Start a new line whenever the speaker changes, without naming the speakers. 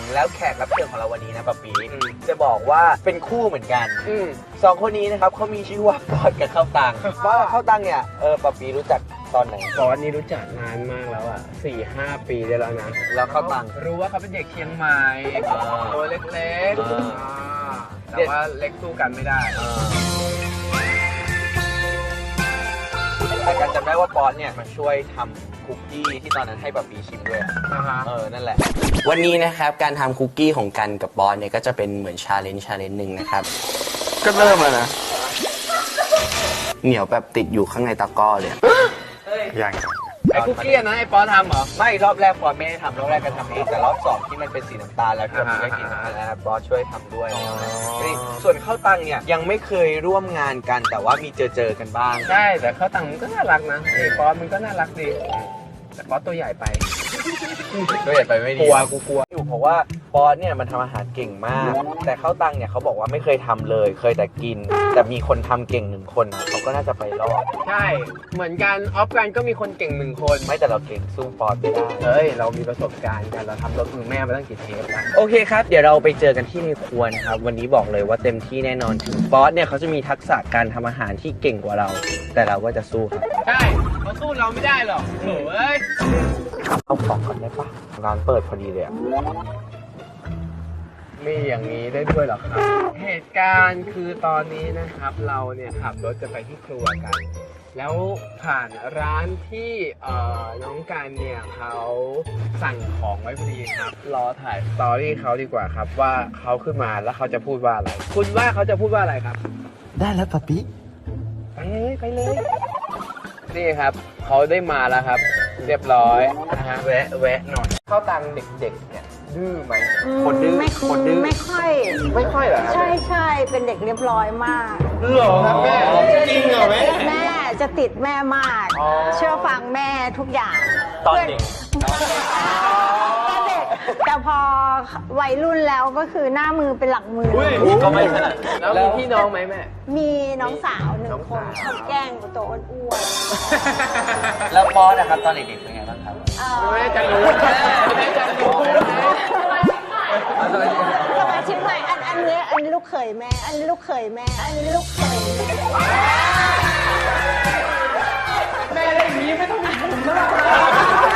แล้วแขกรับเชิญของเราวันนี้นะป๊าปีจะบอกว่าเป็นคู่เหมือนกันสองคนนี้นะครับเขามีชื่อว่าปอดกับข้าวตังปอดกับข้าวตังเนี่ยป๊าปีรู้จักตอนไหน
ปอดนี่รู้จักนานมากแล้วอ่ะ4-5 ปีได้แล้วนะ
แล้วข้าวตัง
รู้ว่าเขาเป็นเด็กเชียงใหม่ตัวเล็กๆแต่ว่าเล็กสู้กันไม่ได้
แต่การจำได้ว่าปอดเนี่ยมาช่วยทำคุกกี้ที่ตอนนั้นให้ป๊าปีชิมด้วยนั่นแหละ
วันนี้นะครับการทำคุกกี้ของกันกับบอสเนี่ยก็จะเป็นเหมือนชาเลนจ์หนึ่งนะครับก็เริ่มแล้วนะเหนียวแบบติดอยู่ข้างในตะกร้อเลย
อย่างไอ้คุกกี้นะไอ้ปอทำเหรอ
ไม่รอบแรกปอไม่ได้ทำรอบแรกก็ทำเองแต่รอบ2ที่มันเป็นสีน้ำตาลแล้วที่เราได้กินนะปอช่วยทำด้วยส่วนข้าวตังเนี่ยยังไม่เคยร่วมงานกันแต่ว่ามีเจอกันบ้าง
ใช่แต่ข้าวตังมันก็น่ารักนะไอ้ปอมันก็น่ารักดีแต่ปอตัวใหญ่ไป
ไม่ดีกูกลัวอยู่เพราะว่าปอเนี่ยมันทำอาหารเก่งมากแต่ข้าวตังเนี่ยเขาบอกว่าไม่เคยทำเลยเคยแต่กินแต่มีคนทำเก่ง1 คนเขาก็น่าจะไปรอด
ใช่เหมือนกันออฟกันก็มีคนเก่ง1 คน
ไม่แต่เราเก่งสู้ปอไม่ได้
เรามีประสบการณ์กันเราทำรถมือแม่มาตั้งกี่เทปแล้ว
โอเคครับเดี๋ยวเราไปเจอกันที่ในครัวนะครับวันนี้บอกเลยว่าเต็มที่แน่นอนถึงปอเนี่ยเขาจะมีทักษะการทำอาหารที่เก่งกว่าเราแต่เราก็จะสู้ครับ
ใช่เขาสู้เราไม่ได้หรอกโอ้ย
เอาของก่อนได้ปะร้านเปิดพอดีเลย
มีอย่างนี้ได้ด้วยเหรอครับเหตุการณ์คือตอนนี้นะครับเราเนี่ยขับรถจะไปที่ครัวกันแล้วผ่านร้านที่น้องการเนี่ยเขาสั่งของไว้พอดีครับรอถ่ายสตอรี่เขาดีกว่าครับว่าเขาขึ้นมาแล้วเขาจะพูดว่าอะไรคุณว่าเขาจะพูดว่าอะไรครับ
ได้แล้วป๊าปี้
ไปเลยนี่ครับเขาได้มาแล้วครับเรียบร้อยนะฮะแวะหน่อยเข้าตังเด็กๆเนี่ยดื้อไหม
คนดื้อ
คนดื้อไม่ค่อย
เหรอครับ
ใช่เป็นเด็กเรียบร้อยมาก
หรอครับแม่จริงเหรอ
แม่จะติดแม่มากเชื่อฟังแม่ทุกอย่าง
ตอนเด็ก
แต่พอวัยรุ่นแล้วก็คือหน้ามือเป็นหลังมือ
ก็ไม่ขนาด
แล้วมีพี่น้องไหมแม่
มีน้องสาว1 คนชอบแกล้งตัวอ้วน
แล้วปอนะครับตอนเด็กๆเป็นไงบ้างครับ
แม่จะรู้
สมาชิกใหม่อันนี้ลูกเขยแม่อันนี้ลูกเขยแม่อันนี้ลูกเขย
แม่ได้อย่างนี้ไม่ต้องมีผมแล้ว